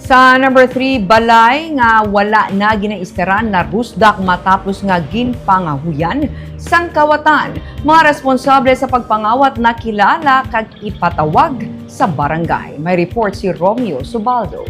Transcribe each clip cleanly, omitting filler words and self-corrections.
Sa number 3, balay nga wala na ginaisteran na rusdak matapos nga ginpangahuyan sang kawatan. Mga responsable sa pagpangawat na kilala kag ipatawag sa barangay. May report si Romeo Subaldo.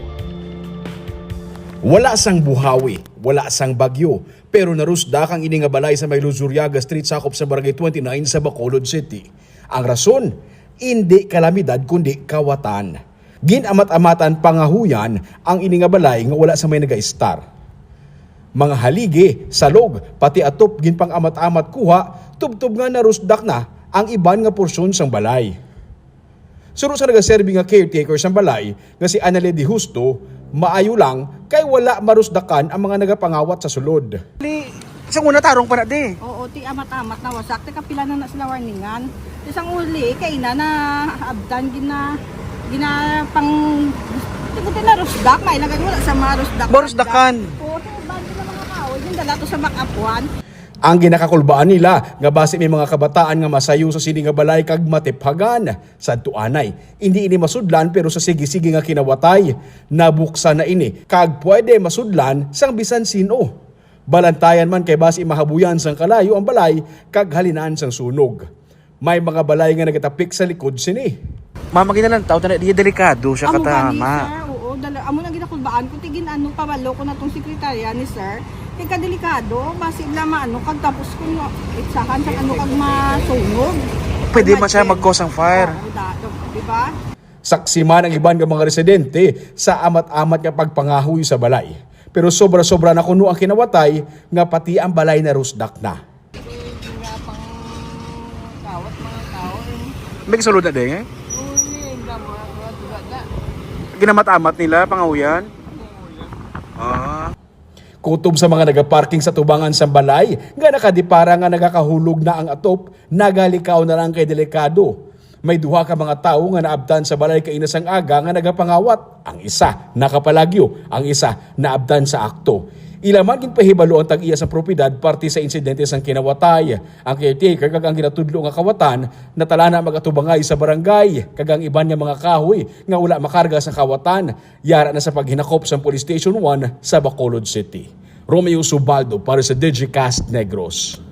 Wala sang buhawi, wala sang bagyo, pero narusdak ang ini nga balay sa may Luzuriaga Street sakop sa Barangay 29 sa Bacolod City. Ang rason, hindi kalamidad kundi kawatan. Ginamat-amatan pangahuyan ang ini nga balay nga wala sa may naga-star. Mga haligi, salog, pati atop ginpang amat-amat kuha, tubtob nga narusdak na ang iban nga porsyon sang balay. Suro sa nagaserbi nga caretaker sang balay nga si Anale Di Justo, maayo lang kay wala marusdakan ang mga nagapangawat sa sulod. Isang una tarong pa na di. Oo, ti amat-amat na wasak. Ti kapila na sila warningan. Isang uli, kay na abdan gina pang tingko na rusdak. May nagagawala sa mga rusdak. Marusdakan. Oo, ti bandi na mga kao. Yung dala to sa bakapuan. Ang ginakakulbaan nila nga base may mga kabataan nga masayo sa sini nga balay kag matiphagan sa tuanay. Hindi ini masudlan pero sa sige-sige nga kinawatay nabuksan na ini kag pwede masudlan sang bisan sino. Balantayan man kay base mahabuyan sang kalayo ang balay kag halinaan sang sunog. May mga balay nga nagatapik sa likod sini. Mama ginalang tao na di delikado siya Amo ba katama. ni sir? Oo, amo na ginakulbaan ko tigin ano pabalo ko na tong sekretarya ni sir. Kay kadelikado, base lama kag tapos ko itsahan sa ano kag masunog. Pwede man siya mag-cause ng fire. Oo, di ba? Saksi man ang iban nga mga residente sa amat-amat nga pagpangahoy sa balay. Pero sobra-sobra na kuno ang kinawatay nga pati ang balay na rusdak na. Nga pang kawat mga tao. May kasulod na din eh. Uli, mga duga. Ginamat-amat nila pangahuyan. Kutob sa mga nagaparking sa tubangan sa balay, nga nakadipara nga nagakahulog na ang atop, nagalikaw na lang kay delikado. May duha ka mga tao nga naabtan sa balay kay inasang aga nga nagapangawat. Ang isa nakapalagyo, ang isa naabtan sa akto. Ilaman ginpahibalo ang tag-iya sa propiedad parte sa insidente sang kinawatay. Ang caretaker kag ang ginatudlo nga kawatan natala na magatubangay sa barangay kag ang iban nga mga kahoy nga wala makarga sa kawatan. Yara na sa paghinakop sa Police Station 1 sa Bacolod City. Romeo Subaldo para sa Digicast Negros.